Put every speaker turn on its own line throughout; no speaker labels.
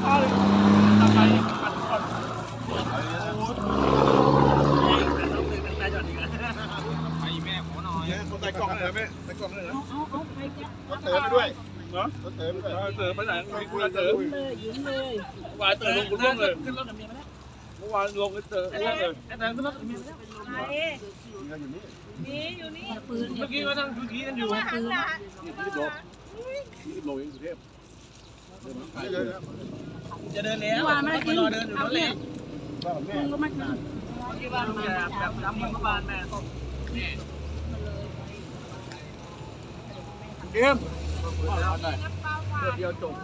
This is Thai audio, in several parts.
ข้าวเลยทำไมปัดก่อนไอ้แม่ขอหน่อยคนใส่กล่องเลยแม่ใส่กล่องเลยเอาไปเต๋อไปด้วยเนาะเต๋อไปด้วยเต๋อไปไหนไม่คุยเต๋อยิ้มเลยเมื่อวานเต๋อลงร่วงเลยขึ้นรถกับเมียไปแล้วเมื่อวานลงเต๋อร่วงเลยไอ้เต๋อขึ้นรถกับเมียไปแล้วนี่อยู่นี่เมื่อกี้ก็นั่งคุยกันอยู่20 โลยังสุเทพจะเดินแล้วไม่ได้กินรอเดินอยู่รถเล็กมึงก็มากินที่บ้านแม่แบบน้ำมันบ้านแม่ต้มนี่เกมเดียวจบ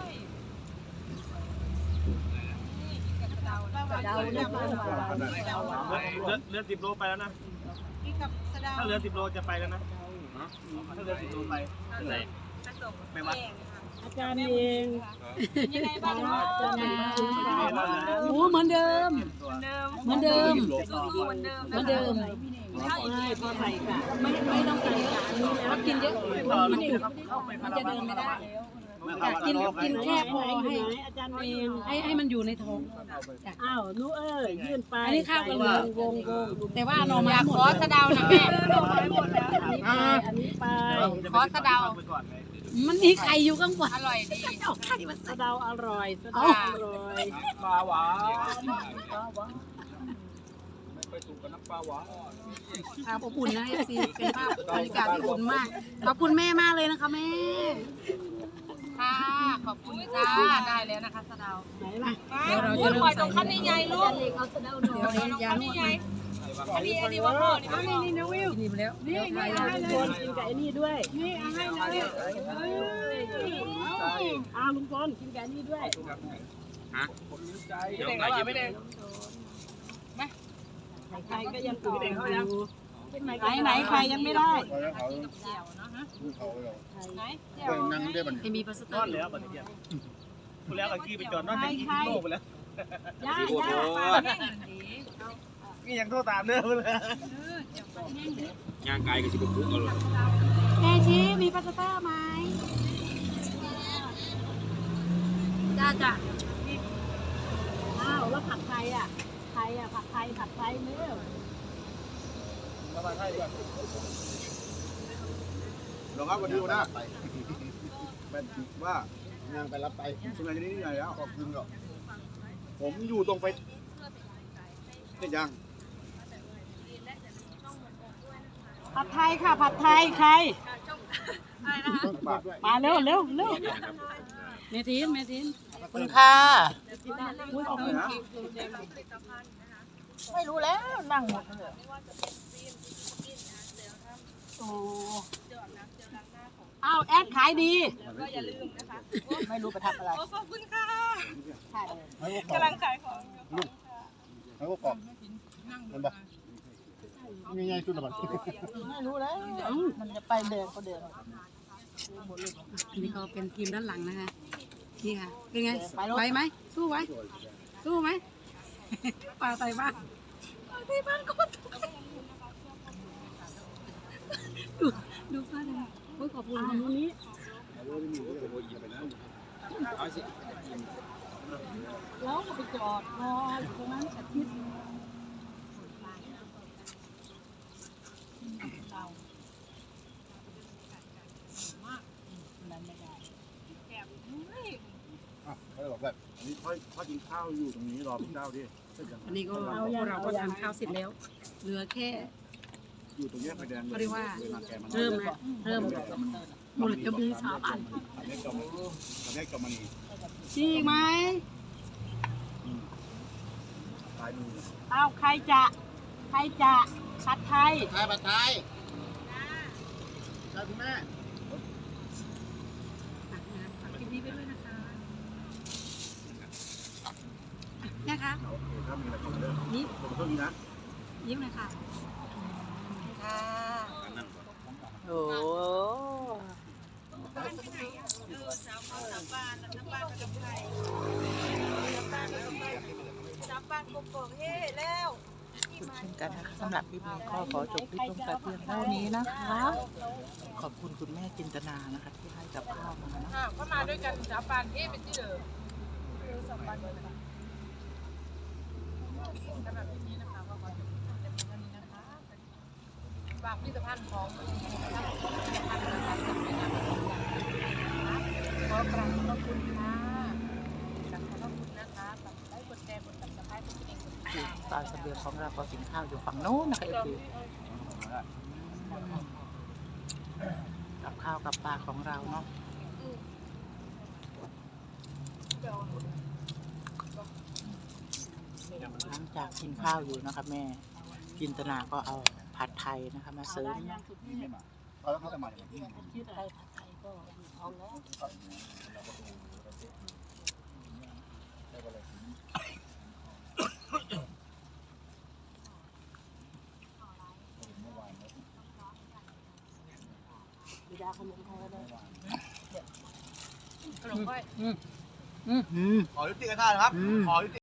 เรือ10 โลไปแล้วนะถ้าเรือ10 โลจะไปแล้วนะถ้าเรือ10 โลไปไปวัด
อาจารย์เอง
ยังไงบ้าง
โอ้เหมือนเดิมเหมือนเดิมใช่พอใส่ค่ะไม่ต้องใส่ค่ะถ้ากินเยอะมันจะเดินไม่ได้กินแค่พอให้อาจารย์เองให้มันอยู่ในท้องอ้าวนู้ยื่นไปอันนี้ข้าวกันเลยวงแต่ว่าหน่อไม้หมด
ขอสะเดานะแม่
อันนี้ไป
ขอสะเดา
มันมีไข่อยู่ข้างบน
อร่อยดี
สะเดาอร่อยสะเดาอร่อย
ปลาหวานไม่ไปถูกกับน้ำปลาหวาน
อบอุ่นนะสิเป็นภาพบรรยากาศที่อบอุ่นมากขอบคุณแม่มากเลยนะคะแม่
ค่ะขอบคุณจ้าได้แล้วนะคะสะเดา
เดี๋ยวเราจะเริ่มใส่
ขั้นใหญ่ลูก
เอาสะเดาหน่อยยาหน่อย
อันนี้ว่าพ่อ
นี่นะวิวกินไปแล้วนี่ให้ลุงพลกินกับไอ้นี่ด้วยนี่ให้เลยลุงพลกินกับนี่ด้วย
ฮะเดี๋ยวไหนยิ้มไม่ได้
ใครก็ยังอยู่ไหนใครยังไม่ได้มีพาสต้า
แล้วบัดนี้คุณแล้วกับกี้ไปจอดนอกจากกี้โลกไปแล้วนี่ยังโทษตามเนื้อเลยงานไกลกับสิบปุ๊บเอาเลย
แม่ชี้มีพาสต้าไหมจ้าแล้วผัดไทยผัดไทยเนื้อ
ผัดไทยด้วยลองครับวันนี้วันหน้าเป็นว่างานไปรับไปทำงานที่นี่ใหญ่แล้วขอบคุณหรอกผมอยู่ตรงไปเนี่ยยัง
ผัดไทยค่ะผัดไทยใครมาเร็วเมทิน
คุณค่ะ
ไม่รู้แล้วนั่งหมดเลยโอ้แอดขายดีก็อย่าลืมนะคะไม่รู้ไปทำอะไร
ขอบคุณค่ะกำลังขายของ
แล้วก็กรอบมันบอกง่ายๆสุดละมัน
ไม่รู้แล้วมันจะไปเดินก็เดินนี่ก็เป็นทีมด้านหลังนะคะนี่ค่ะเป็นไงไหวไหมสู้ไหมปลาไทยบ้านก็ดูป้าเลยขอบคุณวันนี้แล้วก็ไปจอดรอตรงนั้นอาทิตย์
เขาบอกแบบอันนี้พ่อกินข้าวอยู่ตรงนี้รอพี่เจ้าดิ
อันนี้ก็เราก็ทานข้าวเสร็จแล้วเหลือแค่
อยู่ตรงนี้ไฟแดง
เรียกว่าเริ่มมูลจะมีสาวอันจริงไหมใครจะผัดไทย
ใช่คุณแม่
คลิปนี้ไปด้วยนะคะนี่
ต้องมีนะ
ยิ้มเลยค่ะ
โอ้
บ้านที่ไหนสาวบ้านกับใครสาวบ้านกบเฮ้แล้ว
เช่นกันนะคะสำหรับคลิปนี้ก็ขอจบคลิปลงแต่เพียงเท่านี้นะคะขอบคุณคุณแม่จินตนานะคะที่ให้กับข้าวมานะ
ก็มาด้วยกันสาวบ้านเฮ้เป็นที่เดิมฝากผลิตภัณฑ์ของผลิตภัณฑ์ขอกราบขอบคุณค่ะขอบคุณนะคะได้กดแชร์กดติดตามกดกระดิ่งกดติดตาม
ตอนเสบียงของเราก็กินข้าวอยู่ฝั่งโน้นนะคะคือกับข้าวกับปลาของเราเนาะหลังจากกินข้าวอยู่นะคะแม่จินตนาก็เอาผัดไทยนะคะมาเสริม
แล้วเขาจะมาอย่างนี้
ชื่ออะไรผัดไทยก็เอาแล้วบิดาขนมไทยเลยขนมไทย
ขอยุติกันท่านครับขอยุติ